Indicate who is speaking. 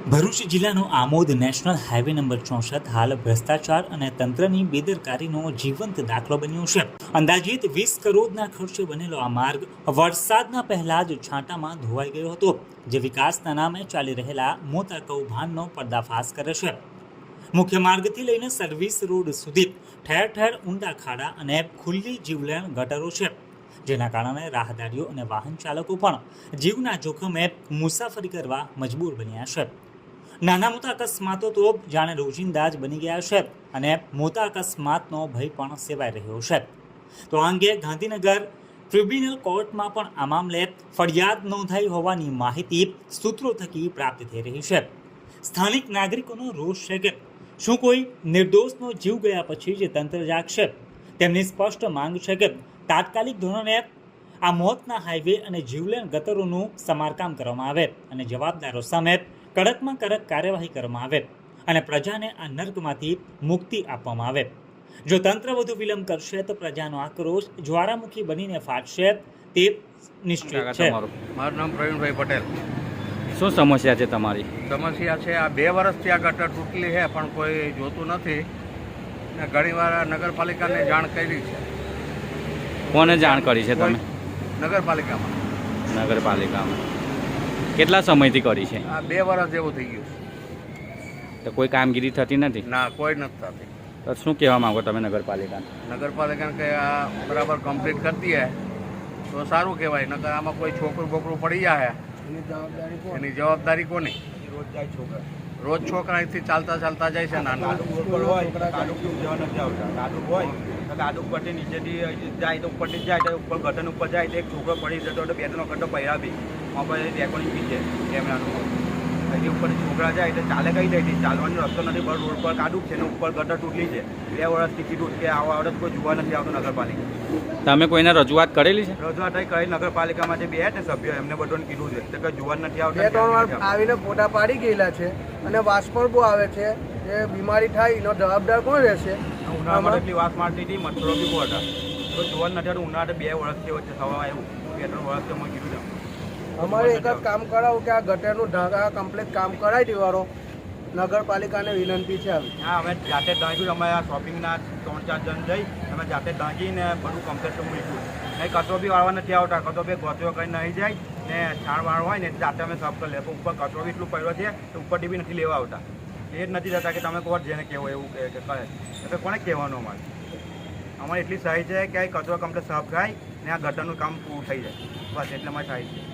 Speaker 1: ભરૂચ જિલ્લાનો Amod national highway number 64 હાલ ભ્રષ્ટાચાર અને તંત્રની બેદરકારીનો જીવંત દાખલો બન્યો છે। અંદાજિત 20 કરોડના ખર્ચે બનેલો આ માર્ગ વરસાદના પહેલા જ છાંટામાં ધોવાઈ ગયો હતો, જે વિકાસના નામે ચાલી રહેલા મોટા કૌભાંડનો પર્દાફાશ કરે છે। મુખ્ય માર્ગથી લઈને સર્વિસ રોડ સુધી ઠેર ઠેર ઊંડા ખાડા અને ખુલ્લી જીવલેણ ગટરો છે, જેના કારણે રાહદારીઓ અને વાહન ચાલકો પણ જીવના જોખમે મુસાફરી કરવા મજબૂર બન્યા છે। નાના મોટા અકસ્માતો તો જાણે રોજિંદા જ બની ગયા છે અને મોટા અકસ્માતનો ભય પણ સેવાઈ રહ્યો છે। તો આ અંગે ગાંધીનગર ટ્રિબ્યુનલ કોર્ટમાં પણ આ મામલે ફરિયાદ નોંધાઈ હોવાની માહિતી સૂત્રો થકી પ્રાપ્ત થઈ રહી છે। સ્થાનિક નાગરિકોનો રોષ છે કે શું કોઈ નિર્દોષનો જીવ ગયા પછી જે તંત્ર જાગશે? તેમની સ્પષ્ટ માંગ છે કે તાત્કાલિક ધોરણે આ મોતના હાઈવે અને જીવલેણ ગટરોનું સમારકામ કરવામાં આવે અને જવાબદારો સામે કડકમાં કડક કાર્યવાહી કરવામાં આવે અને પ્રજાને આ નર્કમાંથી મુક્તિ આપવામાં આવે। જો તંત્ર વધુ વિલંબ કરશે તો પ્રજાનો આક્રોશ જ્વાળામુખી બનીને ફાટશે, તે નિશ્ચિત છે।
Speaker 2: મારું નામ પ્રવીણભાઈ પટેલ।
Speaker 3: શું સમસ્યા છે તમારી?
Speaker 2: સમસ્યા છે આ 2 વર્ષથી આ ગટર તૂટેલી છે, પણ કોઈ જોતું નથી ને ઘણીવાર નગરપાલિકાને જાણ કરી છે।
Speaker 3: કોને જાણ કરી છે તમે?
Speaker 2: નગરપાલિકામાં।
Speaker 3: કેટલા સમયથી કરી છે?
Speaker 2: આ 2 વર્ષ જેવું થઈ ગયું
Speaker 3: તો કોઈ કામગીરી થતી નથી?
Speaker 2: ના, કોઈ નથી થતી।
Speaker 3: તો શું કહેવા માંગો તમે નગરપાલિકાને?
Speaker 2: નગરપાલિકાને કે આ બરાબર કમ્પ્લીટ કરતી હે તો સારું કહેવાય, નકર આમાં કોઈ છોકરું બોકરું પડી જાય એની જવાબદારી કોની? રોજ છોકરા અહીંથી ચાલતા જાય છે નાના
Speaker 4: ગાડું ઉપરથી નીચેથી જાય તો ઉપરથી જાય તો ઉપર ગટન ઉપર જાય તો એક છોકરો પડી જતો તો 2-3 વખત પહેરા બી મોબાઈલ રેકોર્ડિંગ બી છે કેમેરાનું। અહીંથી ઉપરથી છોકરા જાય એટલે ચાલે કઈ જાય ચાલવાનો રસ્તો નથી, પણ રોડ પર કાઢું છે ને ઉપર ગટર તૂટલી છે। 2 વર્ષ ટિકિટ કે આવા વર્ષ કોઈ જોવા નથી આવતું નગરપાલિકા।
Speaker 3: તમે કોઈને રજૂઆત કરેલી છે?
Speaker 4: રજૂઆત કરી નગરપાલિકામાં જે 2 સભ્યો એમને બધાને કીધું છે તો કંઈ જોવા નથી આવતું।
Speaker 5: 2-3 વાર આવીને ફોટા પાડી ગયેલા છે અને વાસ પણ બહુ આવે છે, એ બીમારી થાય એનો જવાબદાર કોણ રહેશે?
Speaker 4: ઉનાળામાં એટલી વાસ મારતી હતી, મચ્છરો બી બહુ હતા, તો જોવા નથી આવતું। ઉનાળે 2 વર્ષથી વચ્ચે થવા આવ્યું, 2-3 વર્ષથી અમે કીધું
Speaker 5: અમારે એક જ કામ કરાવું કે આ ગટરનું ઢાંકા કમ્પ્લીટ કામ કરાવી દેવાનો નગરપાલિકાને વિનંતી છે।
Speaker 4: હા, અમે જાતે ઢાંક્યું, અમે આ શોપિંગના 3-4 જણ જઈ અમે જાતે ઢાંકીને બધું કમ્પ્લીટ મૂક્યું। નહીં કચરો બી વાળવા નથી આવતા, કચરો બી ગોચરો કંઈ નહીં જાય ને છાણ વાળ હોય ને જાતે અમે સાફ કરી લે, ઉપર કચરો બી એટલું પડ્યો છે તો ઉપરથી બી નથી લેવા આવતા। એ જ નથી જતા કે તમે કોણ જેને કહેવો એવું કે કહે એટલે કોને કહેવાનું? અમારે એટલી સહાય છે કે આ કચરો કમ્પ્લીટ સાફ થાય ને આ ગટરનું કામ પૂરું થઈ જાય, બસ એટલે અમારે થાય છે।